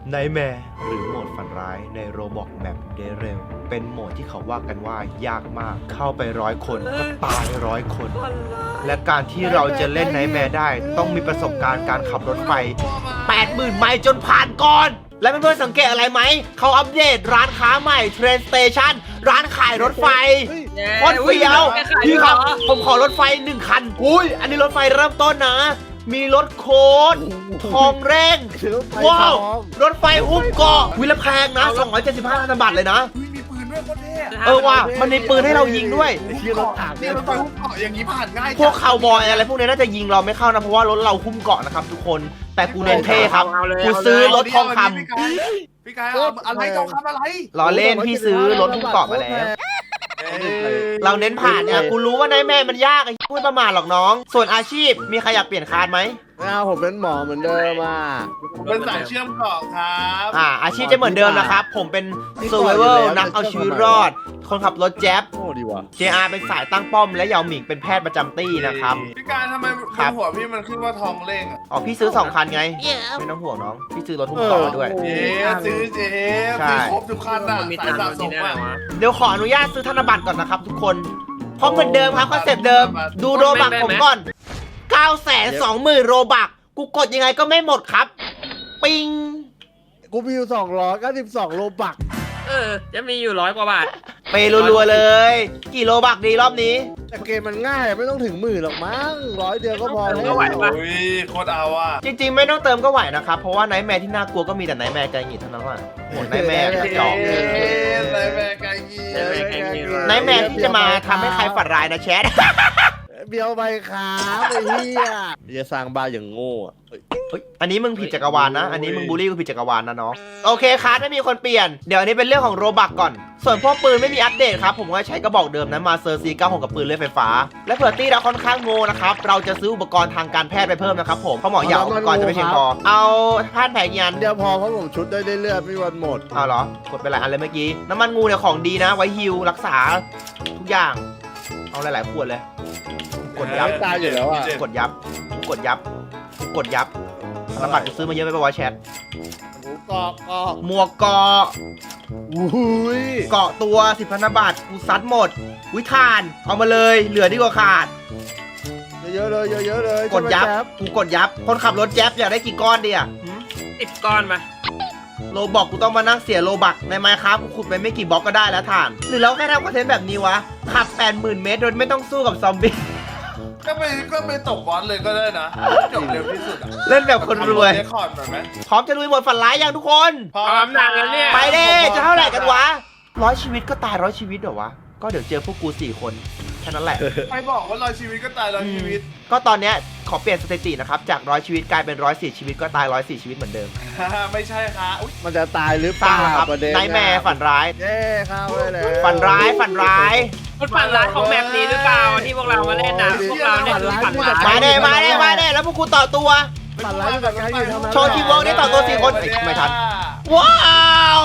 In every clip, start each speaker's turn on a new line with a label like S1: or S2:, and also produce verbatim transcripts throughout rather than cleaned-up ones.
S1: ไนท์แมร์หรือโหมดฝันร้ายในโรบอกแมปเดเรลเป็นโหมดที่เขาว่ากันว่ายากมากเข้าไปร้อยคนก็ตายร้อยคน และการที่เราจะเล่นไนท์แมร์ได้ต้องมีประสบการณ์การขับรถไฟ แปดหมื่น ไมล์จนผ่านก่อน และเพื่อนๆสังเกตอะไรไหมเขาอัปเดตร้านค้าใหม่เทรนสเตชันร้านขายรถไฟโคตรเฟี้ยวพี่ครับผมขอรถไฟหนึ่งคันอุ้ยอันนี้รถไฟเริ่มต้นนะมีรถโค้ดทองเร่งว้าวรถไฟหุ้มเกาะวิลแพงนะสองร้อยเจ็ดสิบห้าพันบาทเลยนะ
S2: มีปืนด้วยโคตรเท่
S1: เออว่ะมันมีปืนให้เรายิงด้วย
S2: ที่รถถังเนี่ยรถไฟหุ้มเกาะอย่างนี้ผ่านง่าย
S1: พวกคาวบอยอะไรพวกนี้น่าจะยิงเราไม่เข้านะเพราะว่ารถเราหุ้มเกาะนะครับทุกคนแต่กูเน้นเท่ครับกูซื้อรถทองคำ
S2: พี่กายเอาอะไรทองคำอะไร
S1: ล้อเล่นพี่ซื้อรถหุ้มเกาะมาแล้วเราเน้นผ่านเนี่ยกูรู้ว่าไนท์แมร์มันยากไอ้ไม่ประมาทหรอกน้องส่วนอาชีพมีใครอยากเปลี่ยนคาร์ดไหม
S3: ไม่เอาผมเป็นหมอเหมือนเดิมอ่ะ
S2: เป็นสายเชื่อมเกาะครับ
S1: อ่าอาชีพจะเหมือนเดิมนะครับผมเป็น survival นักเอาชีวิตรอดคนขับรถแจ๊บ
S3: โอ้ดีว่ะ
S1: เจ อาร์ เป็นสายตั้งป้อมและเหยาหมิงเป็นแพทย์ประจำตี้นะครับ
S2: พี่กายทำไมบนหัวพี่มันขึ้นว่าทองเล่ง
S1: อ๋อพี่ซื้อสองคันไงไม่ต้องห่วงน้องพี่ซื้อรถหุ้มเกาะมาด้วย
S2: เจ๊ซื้อเจ๊ซื้อครบทุกคันอ่ะสายสะสมอ่ะ
S1: เดี๋ยวขออนุญาตซื้อธนบัตรก่อนนะครับทุกคนเพราะเหมือนเดิมครับคอนเซ็ปต์เดิมดูโรบักผมก่อน เก้าแสนสองหมื่น โรบักกูกดยังไงก็ไม่หมดครับปิง
S3: กูมีอยู่สองร้อยเก้าสิบสองโลบัก
S4: เออจะมีอยู่ร้อยกว่าบาท
S1: ไปรัวๆเลยกี่โลบักดีรอบนี้
S3: แต่เกมมันง่ายไม่ต้องถึงหมื่นหรอกมั้งร้อยเดียวก็พอแล้ว
S2: ไหวปะอุ้ยโคตรเอาอ่ะ
S1: จริงๆไม่ต้องเติมก็ไหวนะครับเพราะว่าไนท์แมร์ที่น่ากลัวก็มีแต่ไนท์แมร์ไกลหงิดเท่านั้นว่ะโหไนท์แมร์จอก
S2: ไนท์แมร์ไกลหงิด
S1: ไนท์แมร์ที่จะมาทำให้ใครฝันร้ายนะแชท
S3: เบียวไปครับไอ้เหี้ยจะสร้างบ้านอย่างโง่
S1: อันนี้มึงผิดจักรวาลนะอันนี้มึงบูลลี่กูผิดจักรวาลนะน้องโอเคครับไม่มีคนเปลี่ยนเดี๋ยวอันนี้เป็นเรื่องของโรบักก่อนส่วนพวกปืนไม่มีอัปเดตครับผมก็ใช้กระบอกเดิมนะมาเซอร์ซีเก้าหกกับปืนเลื่อยไฟฟ้าและเผื่อตี้เราค่อนข้างโง่นะครับเราจะซื้ออุปกรณ์ทางการแพทย์ไปเพิ่มนะครับผมเพราะหมอเหยาอุปกรณ์จะไม่เพียงพอเอาท่านแผงยัน
S3: เดี๋ยวพอเพราะผมชุดได้เรื่อยๆไม่วันหมด
S1: เอาเหรอกดไปหลายอันเลยเมื่อกี้น้ำมันงูเนี่ยของดีนะไว้ฮิลรักษาทุกอย่างเอาหลายๆขวดเลยกดยับ
S3: ตายอยู่แล้วอ่ะ
S1: กดยับกดยับกดยับธนบัตรกูซื้อมาเยอะไปป่าวะแชท
S3: เกาะเกาะ
S1: หมวกเกาะ
S3: อุ้ย
S1: เกาะตัวสิบพันธบัตรกูซัดหมดวิธานเอามาเลยเหลือดีกว่าขาด
S3: เยอะๆเลยเยอะๆเลย
S1: กดยับกูกดยับคนขับรถแจ๊บอยากได้กี่ก้อนดีอ่ะ
S4: สิบก้อนมา
S1: โลบอกกูต้องมานั่งเสียโลบักในไมค์ครับกูขุดไปไม่กี่บล็อกก็ได้แล้วถ่านหรือเราแค่ทำคอนเทนต์แบบนี้วะขับ แปดหมื่น เมตรโดยไม่ต้องสู้กับซอมบี้
S2: ก็ไปก็ไปตกบอลเลยก็ได้นะจบเร็วที่สุด
S1: เล่นแบบคนรวย
S2: เรคคอร์ดหน่อยไหม
S1: พร้อมจะลุยหมดฝันร้ายยังทุกคน
S4: พร้อมแล้วเนี่ย
S1: ไปเด้จะเท่าไหร่กันวะร้อยชีวิตก็ตายร้อยชีวิตเหรอวะก็เดี๋ยวเจอพวกกูสี่คนแค่นั้นแหละ
S2: ใครบอกว่าร้อยชีวิตก็ตายร้อยชีวิต
S1: ก็ตอนเนี้ยขอเปลี่ยนสถิตินะครับจากร้อยชีวิตกลายเป็นร้อยสี่ชีวิตก็ตายร้อยสี่ชีวิตเหมือนเดิม
S2: ไม่ใช่ครับ
S3: มันจะตายหรือเปล่า
S1: ครับไนท์แมร์ฝันร้าย
S3: เย้เข้าไปเลย
S1: ฝันร้ายฝันร้าย
S4: มันฝันร้ายของแบบนี้หรือเปล่าที่พวกเรามาเล่นนะพวกเราเล่นฝันร้าย
S1: มาเด้มาเด้มาเด้แล้วพวกกูต่อตัว
S3: ฝันร้ายแบบนี้อยู่ทำไม
S1: โชว์ทีมเวิร์กได้ต่อตัวสี่คนไม่ทันว้าว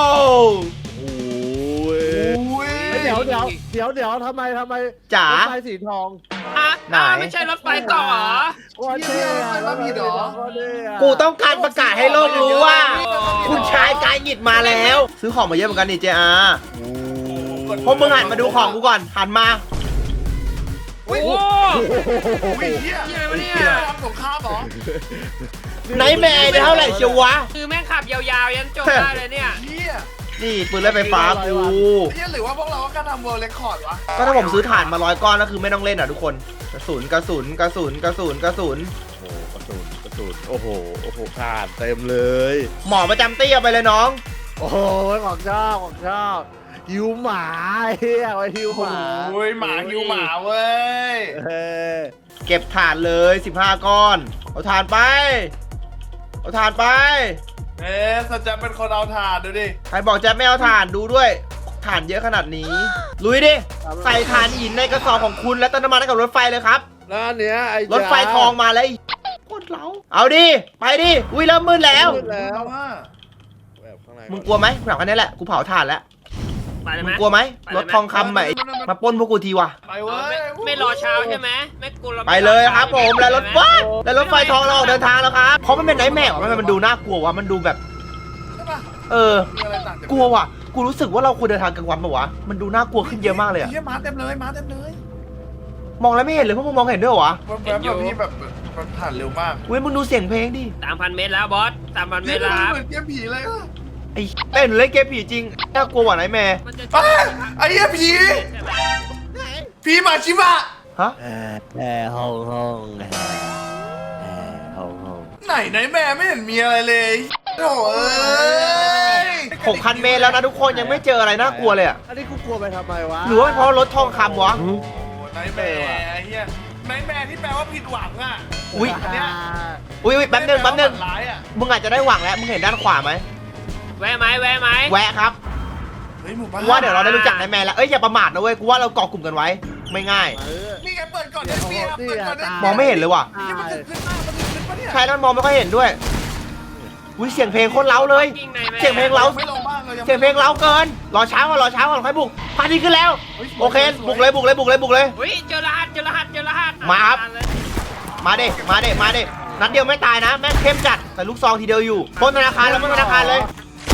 S3: เดี๋ยวเดี๋ยวเดี๋ยวเดี๋ยวทำไมทำไม
S1: จ๋าร
S3: ถไฟสีทอง
S4: อ่ะไหนไม่ใช่รถไฟต่อเหรอ
S3: วันเท่แล้วมีดอ
S1: กูต้องการประกาศให้โลกรู้ว่าคุณชายกายหงิดมาแล้วซื้อของมาเยอะเหมือนกันนี่เจอาพวกมึงหันมาดูของกูก่อนหันมา
S4: โอ้โห
S2: เฮียเนี่ยสงครามเหรอ
S1: ไนท์แมร์จะเท่าไหร่เชียววะ
S4: คือแม่งขับยาวๆยันจบได้เลยเนี่ย
S1: นี่ปืนเลื่อยไฟฟ้ากู
S2: นี่หรือว่าพวกเราก็ทำเวิร์ลเรคคอร์ดวะ
S1: ก็ถ้าผมซื้อถ่านมาร้อยก้อนแล้วคือไม่ต้องเล่นอ่ะทุกคนกระสุนกระสุนกระสุนกระสุนกระสุน
S3: โอ้กระสุนกระสุนโอ้โหโอ้โหขาดเต็มเลย
S1: หมอประจำตี้เอาไปเลยน้อง
S3: โอ้โหของชอบของชอบหิวหมาเฮียไว้หิวหมา
S2: โอ้ยหมาหิวหมาเว้ย
S1: เก็บถ่านเลยสิบห้าก้อนเอาถ่านไปเอาถ่านไป
S2: เอ๊ะสัจจะเป็นคนเอาถ่านดูดิ
S1: ใครบอกจะไม่เอาถ่านดูด้วยถ่านเยอะขนาดนี้ลุยดิใส่ถ่านหินในกระสอบของคุณและต้นน้ำมันให้กับรถไฟเลยครับ
S3: แล้วเนี้ยไอ้
S1: รถไฟทองมาเลยโคตรเล้าเอาดิไปดิอุ้ยเริ่มมืดแล้วมึงกลัวไหมแบบอันนี้แหละกูเผาถ่านแล้วมึงกลัวไหมรถทองคำใหม่มาปล้นพวกกูทีวะ
S2: ไปเว้ย
S4: ไม่รอเช้าใช่ไหมไม่กลัว
S1: ไปเลยครับผมแล้วรถบัสแล้วรถไฟทองเราออกเดินทางแล้วครับเพราะมันเป็นไนท์แมร์มันมันดูน่ากลัวว่ะมันดูแบบเออ
S2: มีอะไรต่างจาก
S1: กลัวว่ะกูรู้สึกว่าเราควรเดินทางกลางวันปะวะมันดูน่ากลัวขึ้นเยอะมากเลยอะ
S2: เฮียม้าเต็มเลยม้าเต็มเลย
S1: มองแล้วไม่เห็นเลยพวกมึงมองเห็นด้วยเหรอวะ
S2: แบบแบบแบบนี้แบบมันผ่านเร็วมาก
S1: เว้ยมึงดูเสียงเพลงดิ
S4: สามพันเมตรแล้วบอสสามพันเม
S2: นี่
S4: ตรแล้วครับ
S2: เหมือนเกมผีเลยอะ
S1: ไอ้เต้นเล่นเกมผีจริงน่ากลัวกว่าไหนแม่
S4: มันจะ
S2: อ้าไอ้เหี้ยผี
S4: ใช่ไหม
S2: ผีหมาชิบะ
S1: ฮะ
S3: แอร์แอร์ห้องห้องแอร์แอร์ห้องห้อง
S2: ไหนไหนแม่ไม่เห็นมีอะไรเลยโถ่เอ้ย
S1: หกพันเมตรแล้วนะทุกคนยังไม่เจออะไรน่ากลัวเลยอะ
S3: อันนี้กูกลัวไปทำไมวะ
S1: หรือว่าเป็นเพราะรถทองคำวะ
S2: โอ้ไหนแม่ไอ้เหี้ยไหนแม่ที่แปลว่าผิดหวังอ่ะ
S1: อุ้ย
S2: อันเนี้ย
S1: อุ้ยอุ๊ยแป๊บนึงแป๊บนึง
S2: ฝัร้ายอ่ะ
S1: มึงอาจจะได้หวังแล้วมึงเห็นด้านขวาไหม
S4: แวะไหมแวะไหม
S1: แวะครับ
S2: เฮ้ยหมู่บ้าน
S1: กูว่าเดี๋ยวเราได้รู้จักนายแมนแล้วเอ้ยอย่าประมาทนะเว้ยกูว่าเราเกาะกลุ่มกันไว้ไม่ง่าย
S3: เออ
S2: นี่ไงเปิดก่อนได้เปรียบเปิดก่อนได้
S1: มองไม่เห็นเลยว่ะ
S2: นี่มันถึงขึ้นหน้ามันถึงขึ้นปะเนี่ย
S1: ใช่แล้วมันมองไม่ค่อยเห็นด้วยอุ้ยเสียงเพลงโคตรเล้าเลย
S4: กิ้งในแม่
S1: เสียงเพลงเล้า
S2: ไม่ลงบ้างเลยยัง
S1: เสียงเพลงเล้าเกินรอเช้าก่อนรอเช้าก่อนค่อยบุกพาทีขึ้นแล้วโอเคบุกเลยบุกเลยบุกเลยบุกเลย
S4: อุ้ยเจอรหัสเจอรหัสเจอรหัส
S1: มาครับ มาเด็มาเด็มาเด็นัดเดียวไม่ตายนะแม่งเข้มจัดแต่ลูกซองทีเดียวอยู่ปล้นธนาคารแล้วปล้นธนาคารเลย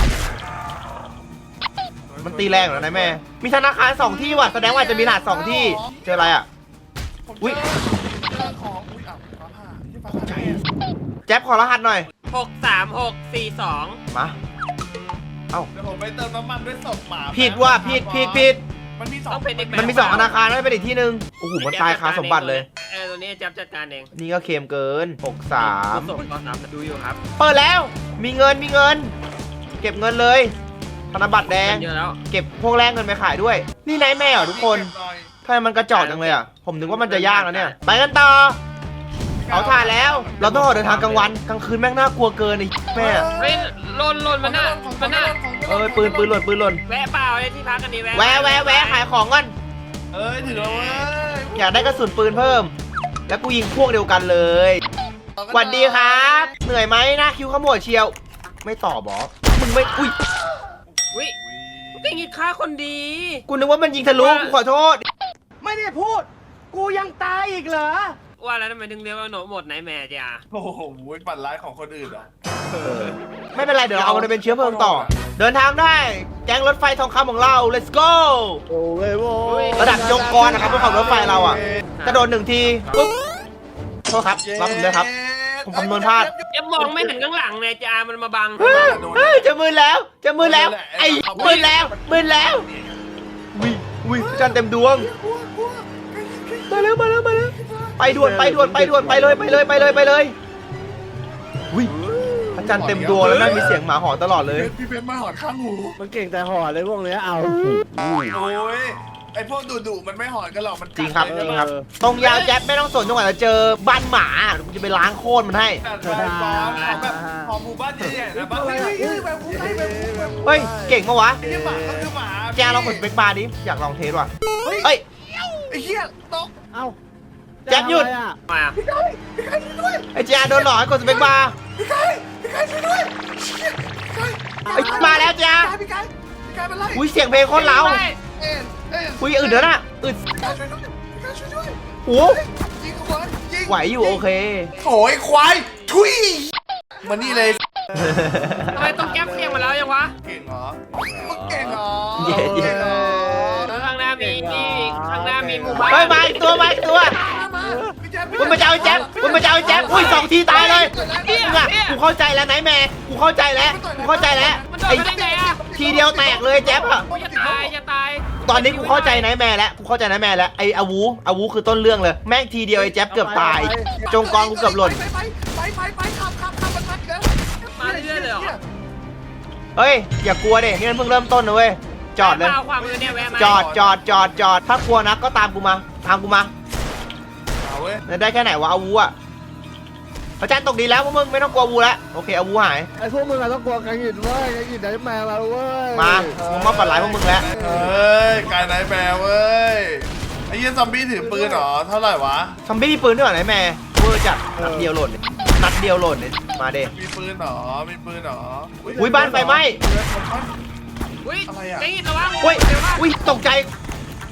S1: มันตีแรงเหรอนายแม่ มีธนาคารสองที่ว่ะแสดงว่าจะมีรหัสสองที่เจออะไรอ่ะ
S2: ผม
S1: อุ๊ย
S2: เจอเจอของอุ้ยอ่ะฟ้าผ่าที่ฟ้าผ่าใจ
S1: แจ๊บขอรหัสหน่อย
S4: หกสามหกสี่สอง
S1: มาเอ้า
S2: เดี๋ยวผมไปเติมน้ำมันด้วยศพหมา
S1: ผิดว่ะผิดผิดผิด
S2: มันมีสอง
S4: ต้องเป็นอีกแบบ
S1: มันมีสองธนาคารไม่เป็นอีกที่หนึ่งโอ้โหมันตายคาสมบัติเลย
S4: เออตัวนี้จับจัดการเอง
S1: นี่ก็เค็มเกินหกสาม
S4: ส่งก็นับดูอยู่ครับ
S1: เปิดแล้ว มีเงินมีเงิน เก็บเงินเลยธนบัตรแดง
S4: เยอะแล้ว
S1: เก็บพวกแลกเงินไปขายด้วย นี่นายแม่เหรอทุกคนทำไมมันกระจอกจังเลยอ่ะ ผมนึกว่ามันจะยากแล้วเนี่ย ไปกันต่อ เอาถ่านแล้ว เราต้องออกเดินทางกลางวัน กลางคืนแม่งน่ากลัวเกินไอ้แม่
S4: เฮ้ยหล่นหล่นมันน่ะมันน่ะ
S1: เออปืนปืนหล่นปืนหล่น
S4: แวะเปล่าเลยที่พักกันดีแวะ
S1: แวะแวะแวะขายของก่อน
S2: เอ้ยถือแล้วเว้ย
S1: อยากได้กระสุนปืนเพิ่ม แล้วกูยิงพวกเดียวกันเลยสวัสดีครับ เหนื่อยไหมหน้าคิวขมวดเชียว ไม่ตอบบอมึงไม่ อุ้ย
S4: อุ้ยเป็นงี้ฆ่าคนดี
S1: กูนึกว่ามันยิงทะลุ กูขอโทษ
S3: ไม่ได้พูด กูยังตายอีกเหรอ
S4: ว่าแล้วทำไมถึงเรียกว่าโหนหมดไหนแม่จ้า
S2: โอ้โหปั่นร้ายของคนอื่นเหรอ
S1: ไม่เป็นไร เดี๋ยวเราเอามันไปเป็นเชื้อเพลิงต่อ เดินทางได้ แก๊งรถไฟทองคำของเรา let's go
S3: โอ้ยโว้ย
S1: ระดับยงกรนะครับบนขับรถไฟเราอ่ะ กระโดดหนึ่งทีปุ๊บโทษครับรับผมด้วยครับ ผมคำนวณพลาด
S4: ยังมองไม่เห็นข้างหลังเลยจ้ามันมาบัง
S1: เฮ้ยจะมือแล้ว จะมือแล้ว ไอ้มือแล้วมือแล้ววิวิจันทร์เต็มดวง มาแล้วมาแล้วมาแล้วไปด่วนไปด่วนไปด่วนไปเลยไปเลยไปเลยไปเลยวิพระจันทร์เต็มดวงแล้วนั่นมีเสียงหมาหอนตลอดเลย
S2: พี่เพชรมาหอดข้างหู
S3: มันเก่งแต่หอเลยพวกเนี้ยเอา
S2: โอ้ยไอพวกดุดุๆมันไม่หอนกันหรอกมันกัด
S1: จริงครับ
S2: เลย
S1: จริงครับ ตรงยาวแจ๊บไม่ต้องสนจนกว่าจะเจอบ้านหมากูจะไปล้างโคตรมันให้
S2: แต่ไฟฟ้าของแบบของหมู่บ้านใหญ่ๆนะบ้านเฮ้ยเฮ้ยแบบผู้ใดแบบผู้แบบผู้
S1: เฮ้ยเก่งปะวะ
S2: ไอ้เหี้ยหมาก็คือหมา
S1: แกลองกดสเปคบาร์ดิอยากลองเทสว่ะ
S2: เฮ้ย
S1: เอ้ย
S2: ไอ้เหี้ยตก
S3: เอ้า
S1: แจ๊บหยุด
S3: จะทำอะไรอะ
S4: มา
S2: พี่ไก่พี่ไก่ช่วยด้วย
S1: ไอ้เจ้าโดนหลอกให้กดสเปคบาร์
S2: พี่ไก่พี่ไก่ช่วยด้วยเชี่ยพี่ไก่
S1: ไอ้มาแล้วจ้า
S2: พี่ไก่พี่ไก่เป็นไร
S1: อุ้ยเสียงเพลงโคตรเล้า
S2: เอ็นเอ็น
S1: อุ้ยอึดเด้อน่ะอึด
S2: พี่ไก่ช่วยด้วยพี่ไก่ช่วยด้วย
S1: โอ้
S2: ยิงควายยิง
S1: ไหวอยู่โอเค
S2: โอ้ยควายทุยมานี่เลย
S4: ทำไมต้องแก๊ปเสียงมาแล้วยังวะ
S2: เก่งเหรอมึงเก่งเหรอ
S1: เย้เย้
S2: ก่งหรอ
S4: แล้วข้างหน้ามีมีข้างหน้ามีหมู่บ้าน
S1: เฮ้ยมาอีกตัวมาอีกตัว
S2: มาพี่แจ๊บ
S1: มึงมาเจ้าไอ้แจ๊บมึงมาเจ้าไอ้แจ๊บอุ้ยสองทีตายเลยมึงอะกูเข้าใจแล้วไนท์แมร์กูเข้าใจแล้วกูเข้าใจแล้ว
S4: มันโดน
S1: ไอ้
S4: ไปได้ไงอะ
S1: ทีเดียวแตกเลยแจ๊บอะ
S4: โอ้ยจะตายจะตาย
S1: ตอนนี้กูเข้าใจไนท์แมร์แล้วกูเข้าใจไนท์แมร์แล้วไอ้อาวูอาวูคือต้นเรื่องเลยแม่งทีเดียวไอ้แจ๊บเกือบตาย จงกรกูเกือบหล่น
S2: ไปไปไปไปไปขับขับขับมันมาเกิน
S4: มาเรื่อยๆเลยเหรอ
S1: เฮ้ยอย่ากลัวดินี่มันเพิ่งเริ่มต้นนะเว้ยจอดเลย
S4: แวะมาความมือเนี่ยแวะมา
S1: จอดจอดจอดจอดถ้ากลัวนะก็ตามกูมาตามกูมา
S2: เอาเว้ย
S1: ได้แค่ไหนวะอาวูอะพระจันทร์ตกดีแล้วพวกมึงไม่ต้องกลัวอาวูแล้วโอเคอาวูหาย
S3: ไอ้พวกมึงอะต้องกลัวกันหยินเว้ยกันหยินได้แมวมาเว้ย
S1: มามึงมาปัดร้ายพวกมึงแล้ว
S2: เฮ้ยกายไนท์แมวเว้ยไอ้เหี้ยซอมบี้ถือปืนเหรอเท่าไหร่วะ
S1: ซอมบี้มีปืนด้วยเหรอไหนแม่เวอร์จัดนัดเดียวหล่นเนี่ยนัดเดียวหล่นเนี่ยมาเด้
S2: มีปืนเหรอมีปืนเหรอ
S1: อุ้ยบ้านไฟไหม้
S4: อุ้ย
S2: อะไรอะ
S4: ไอ้ระวัง
S1: อุ้ย
S4: เดี๋ยวว่า
S1: อุ้ยตกใจ
S4: เฮ้ย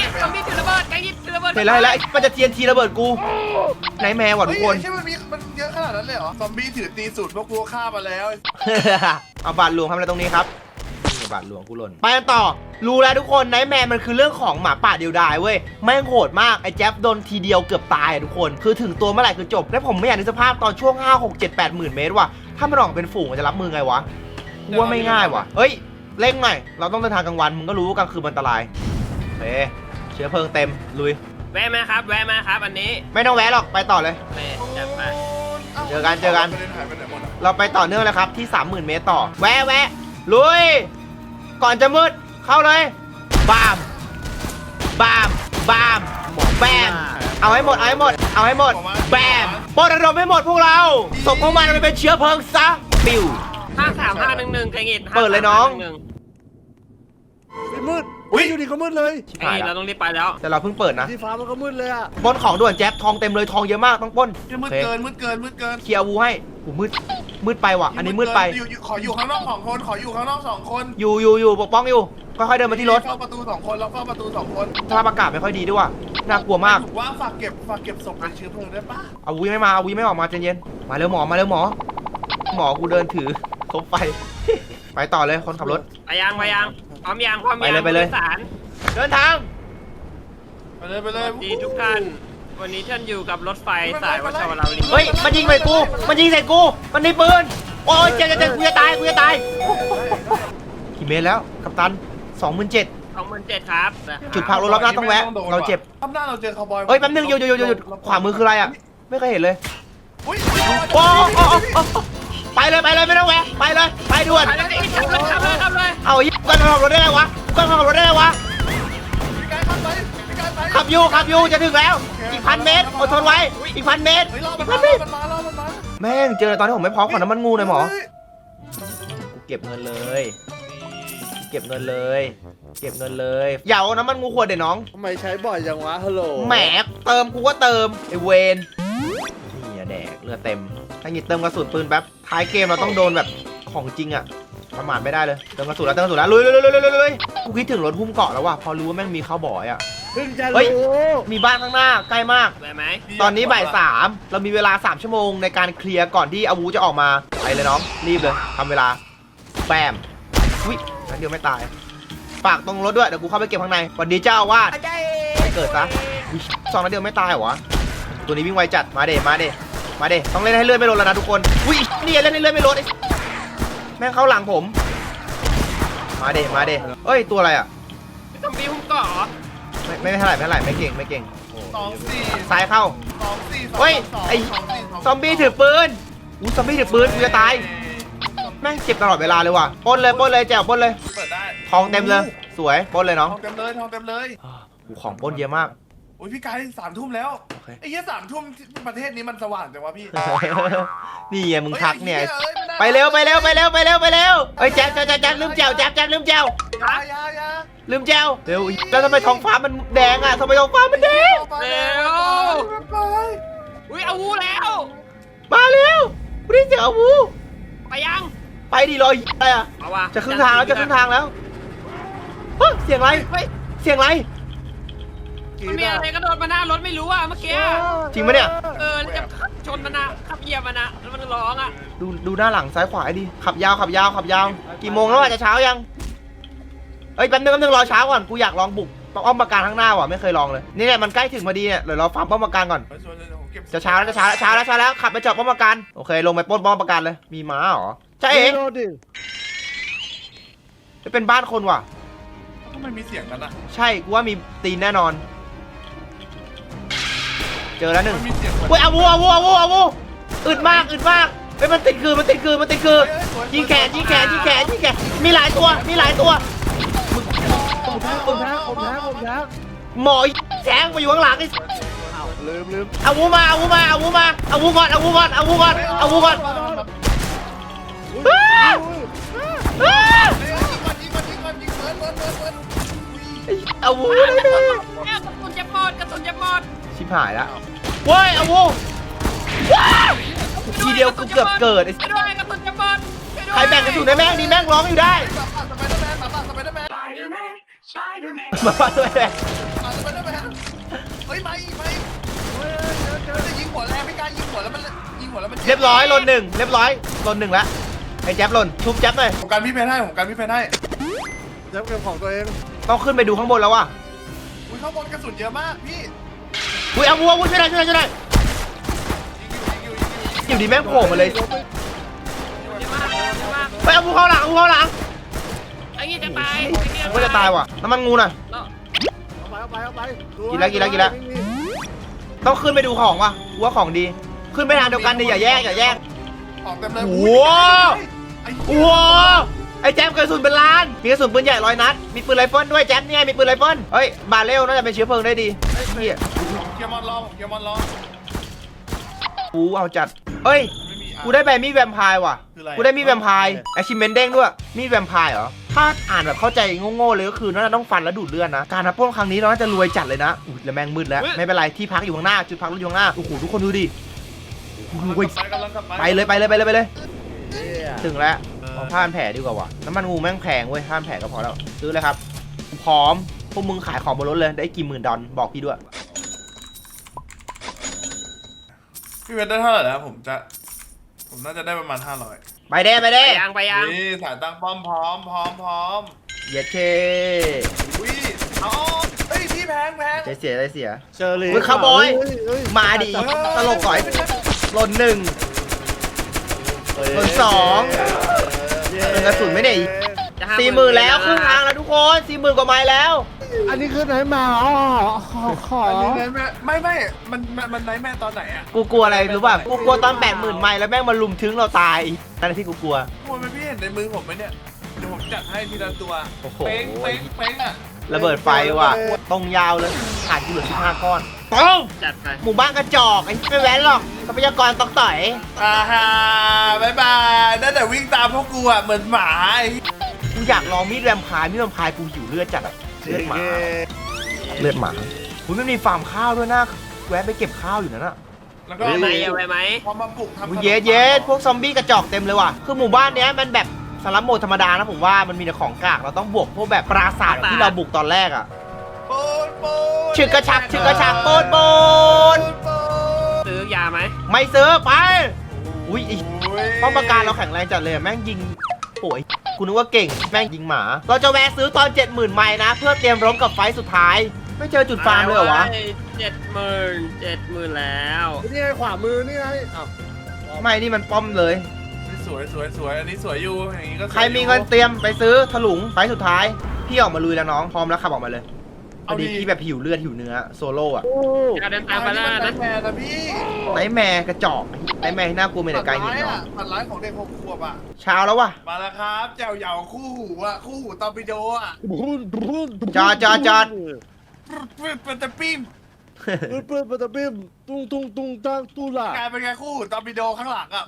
S4: ซอมบี้ถือระเบิดไกยิดถือระเบิด
S1: เห็นแล้วเห็นแล้วมันจะเทียนทีระเบิดกูไนท์แมร์ว่ะทุกคน
S2: ใช่มันมีมันเยอะขนาดนั้นเลยเหรอซอมบี้ถือตีสูตรพวกกูฆ่ามาแล้ว
S1: เอาบาทหลวงทำอะไรตรงนี้ครับนี่บาทหลวงกูหล่นไปกันต่อรู้แล้วทุกคนไนท์แมร์มันคือเรื่องของหมาป่าเดียวดายเว้ยแม่งโหดมากไอ้แจ๊บโดนทีเดียวเกือบตายอะทุกคนคือถึงตัวเมื่อไหร่คือจบและผมไม่อยากนึกสภาพตอนช่วงห้า หก เจ็ด แปดหมื่นเมตรว่ะถ้ามันออกเป็นฝูงมันจะรับมือไงวะกูว่าไม่ง่ายว่ะเฮ้ยเร่งหน่อยเราต้องเดินทางกลางวันมึงก็รู้ว่ากลางคืนมันอันตรายเฮ้เชื้อเพลิงเต็มลุย
S4: แวะมาครับแวะมาครับอันนี้
S1: ไม่ต้องแวะหรอกไปต่อเลย
S4: แม่จัดไป
S1: เจอกันเจอกัน
S2: ประเด็นหายไปไหนหมดอะ
S1: เราไปต่อเนื่องเลยครับที่ สามหมื่น เมตรต่อแวะแวะลุยก่อนจะมืดเข้าเลยบามบามบามแบมเอาให้หมดเอาให้หมดเอาให้หมดแบมปลดระดมให้หมดพวกเราส่งพวกมันไปเป็นเชื้อเพลิงซะปิว
S4: ห้าสามห้าหนึ่งหนึ่งไกยิด
S1: เปิดเลยน้อง
S3: ไม่มืดอุ้ยอยู่ดีก็มืดเลย
S1: ชิบ
S4: ไอ้
S1: หาย
S4: เรา
S1: แล้ว
S4: ต้องรีบไปแล้ว
S1: แต่เราเพิ่งเปิดนะ
S3: ที่ฟ้ามันก็มืดเลยอ่ะ
S1: ปล้นของด่วนแจ็คทองเต็มเลยทองเยอะมากต้องปล้น
S2: เฮ้ยมืด
S1: โอเค
S2: เกินมืดเกินมืดเกิน
S1: เคลียร์อาวูให้หูมืดมืดไปว่ะอันนี้มืดไป
S2: อยู่อยู่ขออยู่ข้างนอกสองคนขออยู่ข้างนอกสองคน
S1: อยู่อยู่อยู่ปกป้องอยู่ค่อยๆเดินมาที่รถ
S2: เฝ้าประตูสองคนแล้วเฝ้าประตูสองคน
S1: สภาพอากาศไม่ค่อยดีด้วยว่ะน่ากลัวมาก
S2: ถูว่าฝากเก็บฝากเก็บศพเป็นเชื้อเพลิงได้ปะ
S1: อาวุธไม่มาอาวุธไม่ออกมาใจเย็นมาเร็วหมอมาเร็วหมอ หมอกูเดินถือคบไฟ ไปต่อเลยคนขับรถ
S4: ไปยังไปยังพร้อมยังพร้อมยัง
S1: ไปเลยไปเลย
S4: ผู้โดสาร
S1: เดินทาง
S2: ไปเลยไปเลย
S4: สวัสดีทุกท่านวันนี้ท่านอยู่กับรถไฟสายวัชรวลี
S1: เฮ้ยมันยิงใส่กูมันยิงใส่กูมันมีปืนโอ้ยเจ็บเจ็บเจ็บกูจะตายกูจะตายกี่เมตรแล้วกัปตันสองหมื่นเจ็ด
S4: สองหมื่นเจ็ดครับ
S1: จุดพักรถรอบหน้าต้องแวะเราเจ็บ
S2: รอบหน้าเราเจอคาวบอย
S1: เฮ้ยแป๊บนึงหยุดหยุดหยุดหยุดหยุดขวามือคืออะไรอ่ะไม่เคยเห็นเลย
S2: อุ้ย
S1: โอ้โอ้โอ้โอ้ไปเลยไปเลยไม่ต้องแวะไปเลยไปด่วน
S4: ไปเลยขับเลยขับเลยขับเลย
S1: เอาอีกกันขับรถได้ไงวะกันขับรถได้ไงวะ
S2: พี่กายขับไปพี่กายไป
S1: ขับอยู่ขับอยู่จะถึงแล้ว อีกพันเมตรอดทนไว้อีกพันเมตร
S2: เฮ้ยรอ
S1: อี
S2: มัน
S1: กพั
S2: มาน ร
S1: เม
S2: อ
S1: ตร
S2: มันมารอมันมา
S1: แม่งเจอตอนที่ผมไม่พร้อมขอน้ำมันงูหน่อยหมอ
S2: เฮ้ย
S1: กูเก็บเงินเลยเก็บเงินเลย เก็บเงินเลยอย่าเอาน้ำมันงูขวดเดี๋ยวน้อง
S3: ทำไมใช้บ่อยจังวะฮัลโหล
S1: แหมเติมกูก็เติมไอเวนนี่อะแดกเลือดเต็มถ้าหยิบเติมกระสุนปืนแป๊บท้ายเกมเราต้องโดนแบบของจริงอะประมาทไม่ได้เลยเติมกระสุนแล้วเติมกระสุนแล้วลุยลุยลุยลุยลุยลุยกูคิดถึงรถหุ้มเกาะแล้วว่ะพอรู้ว่าแม่งมีข้าวบ่อยอะ
S3: เพิ่งจะ
S1: เฮ้ย
S3: รู้
S1: มีบ้านข้างหน้าใกล้มาก
S4: ไปไหม
S1: ตอนนี้บ่ายสามเรามีเวลาสามชั่วโมงในการเคลียร์ก่อนที่อาวูจะออกมาไปเลยน้องรีบเลยทำเวลาแปมวินันเดียวไม่ตายฝากตรงรถด้วยเดี๋ยวกูเข้าไปเก็บข้างในสวัสดีเจ้าอาวาดไปเกิดซะอุ๊ยสองนัดเดียวไม่ตายเหรอวะตัวนี้วิ่งไวจัดมาเดมาเดมาเดต้องเล่นให้เลื่อนไม่ลดแล้วนะทุกคนอุ้ยนี่เล่นให้เลื่อนไม่ลดไอ้แม่งเข้าหลังผมมาเดมาเดเอ้ยตัวอะไรอ่ะ
S4: ซอมบี้หุ้มเกาะเหรอ
S1: ไม่ไม่เท่าไหร่ไม่เท่าไหร่ไม่เก่งไม่เก่ง
S2: สองสี่
S1: ซ้ายเข้า
S2: สองสี่สอง
S1: เฮ้ย
S2: สอง
S1: ไอ้
S2: สองสี่สง
S1: ซอมบี้ถือปืนอู้ซอมบี้ถือปืนกูจะตายแม่งเจ็บตลอดเวลาเลยว่ะปล้นเลยปล้นเลยแจวปล้นเลย
S2: เปิดได้
S1: ทองเต็มเลยสวยปล้นเลย
S2: ท
S1: น้
S2: อ
S1: อง
S2: งเต็มเลยทองเต็มเลย
S1: กูของปล้นเยอะมาก
S2: โอ้ยพี่กายสามทุ่มแล้ว
S1: โอเค
S2: ไอ้เหี้ยสามทุ่มที่ประเทศนี้มันสว่างจังวะพี่
S1: นี่ไงมึงทักเนี่ย
S2: ฮ้อ้ม่ด้
S1: ไปเร็วไปเร็วไปเร็วไปเร็วไปเร็วเฮ้ยแจ๊บแจ๊บแจ๊บแจ๊บลืมแจวแจ๊บแจ๊บลืมแจว
S2: อยาอยาอยา
S1: ลืมแจวเร็วแล้วทำไมท้องฟ้ามันแดงอ่ะทำไมท้องฟ้ามันแดง
S2: ไปไป
S4: อุ้ยเอาวูแล้ว
S1: มาเร็วกูได้เสียงอาวู
S4: ไปยัง
S1: ไปดิรออะไรอ่ะ
S4: เอาวะ
S1: จะขึ้นทางแล้วจะขึ้นทางแล้วเฮ้ยเสียงอะไร
S4: เฮ้ย
S1: เสียงอะไร
S4: มันมีอะไรกระโดดมาหน้ารถไม่รู้อ่ะเมื่อกี้
S1: จริงปะเนี่ย
S4: เออแล้วจะชนมันนะขับเหยียบมันนะแล้วมันร้องอ่ะ
S1: ดูดูหน้าหลังซ้ายขวาให้ดีขับยาวขับยาวขับยาวกี่โมงแล้วอ่ะจะเช้ายังเอ้ยแป๊บนึงแป๊บนึงรอเช้าก่อนกูอยากลองบุกป้อมปราการข้างหน้าว่ะไม่เคยลองเลยนี่เนี่ยมันใกล้ถึงพอดีเนี่ยเดี๋ยวเราฟาร์มป้อมปราการก่อนจะเช้าแล้วจะเช้าแล้วเช้าแล้วเช้าแล้วขับไปจอดป้อมปราการโอเคลงไปปล้นป้อมปราการเลยมีม้าเหรอใช่เอง
S3: โดนดิ
S1: จะเป็นบ้านคนว่ะ
S2: ทำไมมีเสียงกันอ่ะ
S1: ใช่กูว่ามีตีนแน่นอน เจอแล้วหนึ่ง
S2: มันมีเสียง
S1: เฮ้ยอาวูอาวูอาวูอาวูอึดมากอึดมากเฮ้ยมันติดคือมันติดคือมันติดคือยิงแขนยิงแขนยิงแขนยิงแขนมีหลายตัวมีหลายตัว
S3: ผมแท้ผมแท้ผมแท้ผมแท้
S1: หมอแทงมาอยู่ข้างหลังไอ้
S3: อ้าวลืมลืม
S1: อาวูมาอาวูมาอาวูมาอาวูก่อนอาวูก่อนอาวูก่อนอาวูก่อน
S3: อุ้ย
S1: อ้า
S3: อุ้ย
S1: อ้า
S2: ยิงก่อนยิงก่อนยิงก่อนยิงเบิร์ดเบิร์ดเบิร์ดเบิร์ด
S1: อาวู
S4: กระสุนจะหมดกระสุนจะหมด
S1: ชิบหายแล้วเว้ยอาวูว้าวทีเดียวกูเกือบเกิดไอ้
S4: ไปด้วยกระสุนจะหมด
S1: ใครแบ่งกระสุนได้แม่งดีแม่งร้องอยู่ได้
S2: สไปเดอร์แมนสไปเดอร์แมน
S1: มาบ้านด้วยแม่
S2: สไปฮ้ยมาอีกมาอีกมันจะยิงหัวแรงไม่กล้ายิงหัวแล้วมันยิงหัวแล้วมัน
S1: เรียบร้อยหล่นหนึ่งเรียบร้อยหล่นหนึ่งแล้วไอ้แจ๊บหล่นชุบแจ๊บหน่อย
S2: ผมการพี่เพนให้ผมการพี่เพนให้
S3: เจ้าเกมของตัวเอง
S1: ต้องขึ้นไปดูข้างบนแล้วว่ะ
S2: อุ้ยข้างบนกระสุนเยอะมากพี่
S1: อุ้ยเอาวัววัวช่วยหน่อยช่วยหน่อยช่วยหน่อย
S2: ยิงอยู่ยิงอยู่ยิงอยู่
S1: อยู่ดีแม่งโผล่มาเลย
S4: เยอะมากเยอะมาก
S1: ไปเอาวัวเข้าหลังเอาวัวเข้าหลัง
S4: ไอ้เงี้ยจะตาย
S1: ผมก็จะตายว่ะน้ำมันงูน่ะ
S3: เอาไปเอาไปเอาไป
S1: กินแล้วกินแล้วกินแล้ว ต้องขึ้นไปดูของว่ะกูว่าของดี ขึ้นไปทางเดียวกันดิอย่าแยกอย่าแยก
S2: ของเต็มเลย
S1: โอ้โห โอ้โหไอ้แจ๊บกระสุนเป็นล้านมีกระสุนปืนใหญ่ร้อยนัดมีปืนไรเฟิลด้วยแจ๊บเนี่ยมีปืนไรเฟิลเฮ้ยบาเรลน่าจะเป็นเชื้อเพลิงได้ดีเฮ้ย
S2: เกียร์มอนล้อเกียร์มอนล้อ
S1: กูเอาจัดเฮ้ย
S2: ไม่มี
S1: กูได้ใบมีดแวมไพร์ว่ะ
S2: คืออะไร
S1: กูได้มีดแวมไพร์แอชิเมนเด้งด้วยมีดแวมไพร์เหรอถ้าอ่านแบบเข้าใจโง่ๆเลยก็คือน่าจะต้องฟันแล้วดูดเลือดนะการนับปล้นครั้งนี้เราน่าจะรวยจัดเลยนะอุ้ยแล้วแม่งมืดแล้วไม่เป็นไรที่พักอยู่ข้างหน้าจุดพักรถอยู่ข้างหน้าโอ้โหทุกคนดูดิดูไป
S2: กำลังกลับ
S1: ไปเลยไปเลยไปเลยไปเลย
S3: เหี้ย
S1: ถึงแล้วเอาผ้าพันแผลดีกว่าว่ะน้ำมันงูแม่งแพงเว้ยผ้าพันแผลก็พอแล้วซื้อเลยครับพร้อมพวกมึงขายของบนรถเลยได้กี่หมื่นดอลบอกพี่ด้วย
S2: พี่เพนได้เท่าไหร่แล้วผมจะผมน่าจะได้ประมาณห้าร้อย
S1: ไปเด้ไป
S4: ไป
S1: เด้
S4: ยังไปยัง
S2: นี่สายตั้งป้อมพร้อมพร้อมพร้อม
S1: เหยียดเค
S2: อุ้ยอ๋อเฮ้ยพี่แพงแพง
S1: ใจเสียใจเสีย
S3: เชอรี่
S1: เฮ้ยคาวบอย
S3: เฮ้เฮ้ย
S1: มาดิตลกก่อยหล่นหนึ่ง หล่นสอง
S3: เย้
S1: เป็นกระสุนไหมเนี่ย
S4: จะา
S1: สี่หมื่นแล้วครึ่งทางแล้วทุกคนสี่หมื่นกว่าไม้แล้ว
S3: อันนี้คือไหนมาอ๋อขอขอ
S2: อันนี้ไนท์แม่ไม่ไม่มันมันมันไนท์แม่ตอนไหนอ่ะ
S1: กูกลัวอะไรรู้ป่ะกูกลัวตอนแปดหมื่นไม้แล้วแม่งมาลุมถึงเราตายนั่นที่กูกลัว
S2: กลัวไหมพี่เห็นในมือผมไหมเนี่ยเดี๋ยวผมจัดให้ทีละตัว
S1: โอ้โห
S2: เป้งเป้งเป้งอ่ะ
S1: ระเบิดไฟว่ะตรงยาวเลยขาดกูเหลือสิบห้าก้อนต้อง
S4: จัดไป
S1: หมู่บ้านกระจอกไอ้ไม่แว้นหรอกทรัพยากรตอกต่อย
S2: อ่าฮ่าบายบายได้แต่วิ่งตามพวกกูอ่ะเหมือนหมาไอ้
S1: กูอยากลองมีดแวมไพร์มีดแวมไพร์กูหิวเลือดจัดอะเลือดหมาเลือดหมาคุณไม่มีฟาร์มข้าวด้วยนะแวะไปเก็บข้าวอยู่นั่นอะ
S2: แล้วก็
S4: ไปไหมเอาไปไหม
S2: พอมาปลูกทำขนม
S1: เย็ดเย็ดพวกซอมบี้กระจอกเต็มเลยว่ะคือหมู่บ้านเนี้ยมันแบบสลัมโหมดธรรมดานะผมว่ามันมีแต่ของกากเราต้องบวกพวกแบบปราสาทที่เราบุกตอนแรกอะ
S2: โปนโปน
S1: ฉึกกระชักฉึกกระชักโปนโปน
S2: โปน
S4: ซื้อยาไหม
S1: ไม่ซื้อไปอุ้ยไอ้
S2: โอ้ย
S1: ป้อมปราการเราแข็งแรงจัดเลยอะแม่งยิงโอ้ยกูนึกว่าเก่งแม่งยิงหมา เราจะแวะซื้อตอน เจ็ดหมื่น ไมล์นะ เพื่อเตรียมรบกับไฟต์สุดท้าย ไม่เจอจุดฟาร์มเลยเหรอวะ
S4: เจ็ดหมื่นเจ็ดหมื่นแล้ว
S3: นี่ไงขวามือนี่ไงอ้าว
S1: ไม่นี่มันป้อมเลย
S2: สวยสวยสวยอันนี้สวยอยู่อย่างนี้ก็สวย
S1: ใครมีเงินเตรียมไปซื้อถลุงไฟต์สุดท้าย พี่ออกมาลุยแล้วน้องพร้อมแล้วขับออกมาเลยพอดีพี่แบบหิวเลือดหิวเนื้อโซโล่อะ
S3: โอ้
S4: อย่าเดิน
S2: อั
S4: ตาม
S2: น
S4: ไป
S2: นี้
S4: แล้ว
S2: มัน
S4: นะ
S2: แม่นะพี่
S1: ไนท์แมร์กระจอกไนท์แมร์ที่น่ากลัวมีแต่ไกลหิน
S2: ฝันร้าย
S1: เนาะ
S2: อ่ะฝันร้ายของเด็กหกขวบอ่ะ
S1: เช้าแล้วว่ะ
S2: มาแล้วครับแจวเหยาคู่หูอ่ะคู่หูตอร์ปิโดอ่ะ
S3: บุนบุน
S1: จอดจอดจอด
S2: มันจะปิ้ม
S3: ปืนปืนปะตะบิ้มตุ้งตุ้งตุ้งตั้งตุ้งล่ะ
S2: กลายเป็นไงคู่หูตอร์ปิโดข้างหลังอ่ะ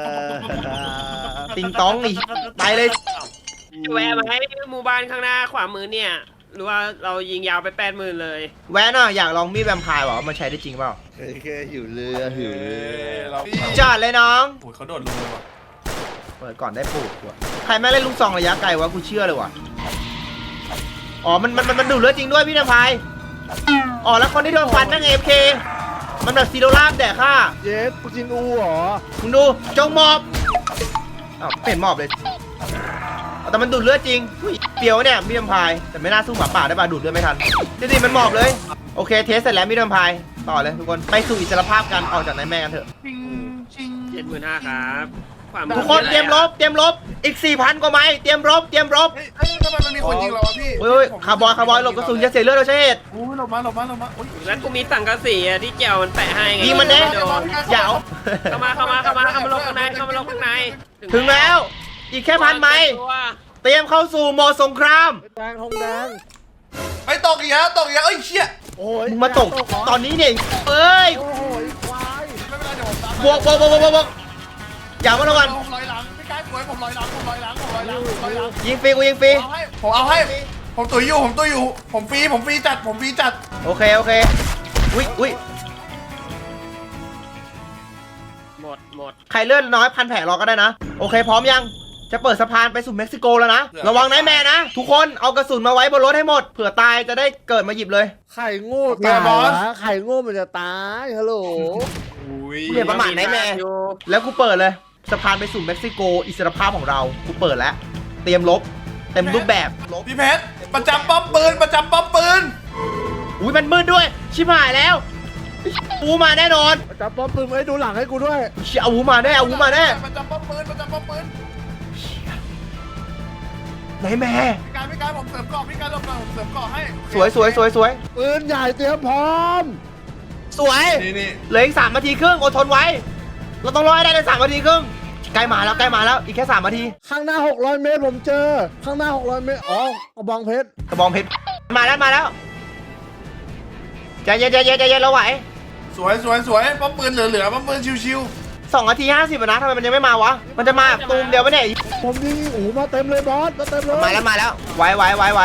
S1: ติงตองอีกไปเลย
S4: แวะไหมหมู่บ้านข้างหน้าขวามือเนี่ย หรือว่าเรายิงยาวไปแปดหมื่นเลย
S1: แวะหน่อยอยากลองมีดแวมไพร์วะว่ามันใช้ได้จริงเปล่า
S3: แค่หิวเรือหิวเรือ
S2: เรา
S1: จอดเลยน้อง
S2: โอ้ยเขาโดดลงเลยว่ะ
S1: เปิดก่อนได้ปลูกว่ะใครแม่งเล่นลูกซองระยะไกลวะกูเชื่อเลยว่ะอ๋อมันมันมันมันดูดเลือดจริงด้วยพี่นภายอ๋อแล้วคนที่โดนฟันนั่งเอฟเคมันแบบซีโรลาบแดกค่า
S3: เย็ดปูจินอูเหรอ
S1: มึงดูจงหมอบอ้าวไม่เห็นหมอบเลยแต่มันดูดเลือดจริงอุ้ยเปรียวเนี่ยมีดแพายแต่ไม่น่าสู้หมาป่าได้ป่ะดูดเลือดไม่ทันจริงๆมันหมอบเลยโอเคเทสเสร็จแล้วมีดแพายต่อเลยทุกคนไปสู่อิสรภาพกันออกจากนายแม่กันเถอะ
S2: ชิงชิง
S4: เจ็ดหมื่นห้าครับขวามือ
S1: ทุกคนเตรียมรบเตรียมรบอีก สี่พัน กว่าไม้เตรียมรบเตรียมรบ
S2: เฮ้ยเฮ้ยทำไมมันมีคนยิงเราวะพี่
S1: เฮ้ยคาร์บอยคาร์บอยหลบกระสุนจะเสียเลือดโดยใช่เหตุ
S2: โอ้ยหลบมาหลบมาหลบมาโอ้ย
S4: แล้วกูมีสังกะสีอะที่เจียวมันแปะให้ไง
S1: ยิงมันเด้
S4: โดน
S1: อย่าเอา
S4: เข้ามาเข้ามาเข้ามาเข้ามาลงข้างในเข้ามาลงข้างใน
S1: ถึงแล้ว อีกแค่พันไม้เตรียมเข้าสู่โหมดสงคราม
S3: แดงทองแดง
S2: ไปตกอีกแล้วตกอีกแล้วเอ้ยเชี่ย
S3: โอ้ย
S1: มึงมาตกตอนนี้เนี่ยเอ้ย
S3: โอ้ยควาย
S2: ไม่เป็นไรเดี๋ยวผมตาม
S1: บวกบวกบวกบวกบวกอย่ามาละกัน
S2: ผมลอยหลังพี่กายป่วยผมลอยหลังผมลอยหลังผมลอยหลังผมลอยหลัง
S1: ยิงฟรีกูยิงฟรี
S2: เอาให้ผมเอาให้ผมตุยอยู่ผมตุยอยู่ผมฟรีผมฟรีจัดผมฟรีจัด
S1: โอเคโอเคอุ้ยอุ้ย
S4: หมดหมด
S1: ใครเลือดน้อยพันแผลรอก็ได้นะโอเคพร้อมยังจะเปิดสะพานไปสู่เม็กซิโกแล้วนะ ระวังไนท์แมร์นะ ทุกคนเอากระสุนมาไว้บนรถให้หมด เผื่อตายจะได้เกิดมาหยิบเลย
S3: ไข่โง่ตายวะไข่โง่มันจะตายฮัลโหล
S2: อุ้ย
S1: เรียกประมาทไนท์แมร์
S4: อยู่
S1: แล้วกูเปิดเลยสะพานไปสู่เม็กซิโกอิสรภาพของเรากูเปิดแล้ว เตรียมลบเต็มรูปแบบลบ
S2: พี่เพชรประจำป้อมปืนประจำป้อมปืน
S1: อุ้ยมันมืดด้วย ชิบหายแล้วอูมาแน่นอน
S3: จับป้อมปืนไว้ดูหลังให้กูด้วย
S1: เชี่ยเอาอูมาแน่เอาอูมาแน่
S2: ประจำป้อมปืนประจำป้อมปืน
S1: ไนท์แมร์
S2: พี่การพี่การผมเสริมเกาะพี่การผมเสริมเกาะให้
S1: สวยสวยสวยสวย
S3: ปืนใหญ่เตรียมพร้อม
S1: สวย
S2: นี่นี่
S1: เหลืออีกสามนาทีครึ่งอดทนไว้ เราต้องรอให้ได้ในสามนาทีครึ่งใกล้มาแล้วใกล้มาแล้วอีกแค่สามนาที
S3: ข้างหน้าหกร้อยเมตรผมเจอ ข้างหน้าหกร้อยเมตรอ๋อกระบองเพชร
S1: กระบองเพชรมาแล้วมาแล้วใจเย็นใจเย็นใจเย็นเราไหว
S2: สวยสวยสวยป้อมปืนเหลือๆป้อมปืนชิว
S1: สองนาทีห้าสิบนะทำไมมันยังไม่มาวะ มันจะมาตูมเดียวปะเนี่ย
S3: ผมยิงอูมาเต็มเลยบอสมาเต็มเลย
S1: มาแล้วมาแล้วไหวไหวไหวไหว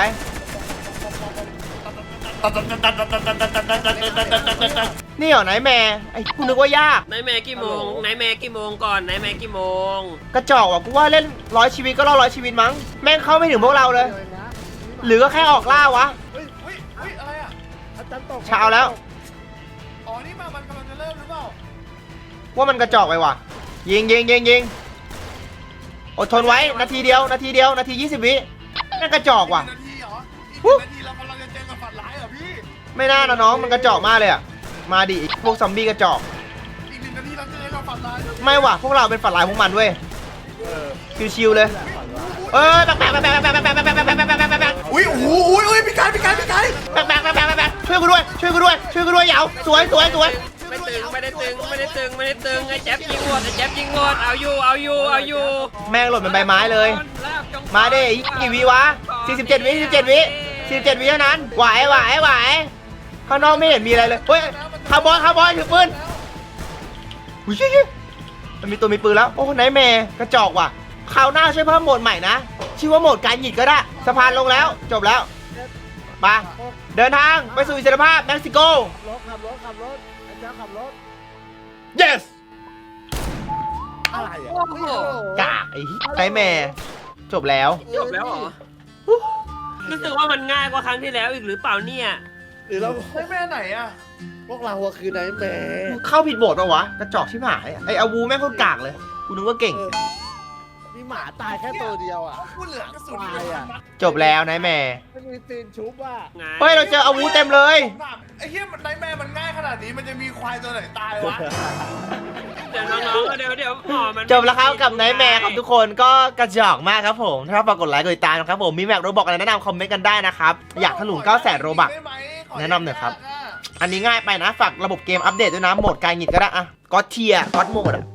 S1: นี่เหรอไนท์แมร์ไอ้กูนึกว่ายาก
S4: ไนท์แมร์กี่โมงไนท์แมร์กี่โมงก่อนไนท์แมร์กี่โมง
S1: กระจอกว่ะกูว่าเล่นร้อยชีวิตก็รอดร้อยชีวิตมั้งแม่งเข้าไม่ถึงพวกเราเลย หรือก็แค่ออกล่าวะ
S2: ๆเฮ้ยเฮ้ยเฮ้ยอะไรอ่ะ
S3: อาจารย์ตก
S1: เช้าแล้ว
S2: อ๋อนี่มามันกำลังจะเริ่มหรือเปล่า
S1: ว่ามันกระจอกไปว่ะยิงยิงยิงยิงอดทนไว้นาทีเดียวนาทีเดียวนาทียี่สิบวิแม่งกระจอกว่ะ
S2: นาทีเหรออีก
S1: ฮู้
S2: นาทีเรากำลังจะเจอกับฝันร้ายเหรอพี่
S1: ไม่น่านะน้องมันกระจอกมากเลยอะมาดิพวกซอมบี้กระจอก
S2: อีกหนึ่งนาทีเราจะเจอกับฝันร้าย
S1: ไม่ว่ะพวกเราเป็นฝันร้ายพวกมันเว้ยชิวๆเลยเออแบกแบกแบกแบกแบกแบกแบกแบกแบกแบกแบกแบกแบกแบก
S2: อุ้ยโอ้โหอุ้ยอุ้ยพี่การพี่การพี่การ
S1: แบกแบกแบกแบกแบกช่วยกูด้วยช่วยกูด้วยช่วยกูด้วยเหยาสวยสวยสวย
S4: ไม่ตึงไม่ได้ตึงไม่ได้ตึงไม่ได้ตึงไอ้แจ๊บยิงหมดไอ้แจ๊บยิงหมดเอาอยู่เอาอยู่เอาอยู่
S1: แม่งหล่นเป็นใบไม้เลย มาดิกี่วิวะสี่สิบเจ็ดวิสี่สิบเจ็ดวิสี่สิบเจ็ดวิเท่านั้นไหวไหวไหวข้างนอกไม่เห็นมีอะไรเลยเฮ้ยคาร์บอยคาร์บอยถือปืนอุ้ยมันมีตัวมีปืนแล้วโอ้ไนท์แมร์กระจอกว่ะคราวหน้าช่วยเพิ่มโหมดใหม่นะชื่อว่าโหมดการหยิดก็ได้สะพานลงแล้วจบแล้วไปเดินทางไปสู่อิสรภาพเม็กซิโก
S3: รถขับรถขับรถอาจารย์ขับรถ
S1: yes
S3: อะไรอ่ะ
S4: โอ้โห
S1: กากไอ้ไนท์แมร์จบแล้ว
S4: จบแล้วเหรอรู้สึกว่ามันง่ายกว่าครั้งที่แล้วอีกหรือเปล่าเนี่ย
S3: หรือเรา
S2: ไม่แม่ไหนอ่ะ
S3: พวกเราอะคือไนท์แมร์
S1: เข้าผิดโบทปะวะกระจอกชิบหายไอ้อาวูแม่งโคตรกากเลยกูนึกว่าเก่ง
S3: มีหมาตายแค่ตัวเดียวอ่ะ
S2: พูดเหลือกระสุน
S3: ตายอ่ะ
S1: จบแล้วไนท์แมร์
S3: ไม่มีตีนชุบอ่ะ
S4: ไง
S1: เฮ้ยเราเจออาวูเต็มเลย
S2: ผมถามไอ้เหี้ยมันไนท์แมร์มันง่ายขนาดนี้มันจะมีควายตัวไหนตายวะ
S4: เดี๋ยวน้องๆเดี๋ยวเดี๋ยวอ๋อมัน
S1: จบแล้วครับกับไนท์แมร์ครับทุกคนก็กระจอกมากครับผมถ้าฝากกดไลค์กดติดตามนะครับผมมีแม็กโรบอกอะไรแนะนำคอมเมนต์กันได้นะครับอยากถลุงเก้าแสนโรบัก
S2: ได้ไหมข
S1: แนะนำหน่อยครับ อันนี้ง่ายไปนะฝากระบบเกมอัปเดตด้วยนะโหมดการหงิดก็ได้อะก็เทียก็โหมดอะ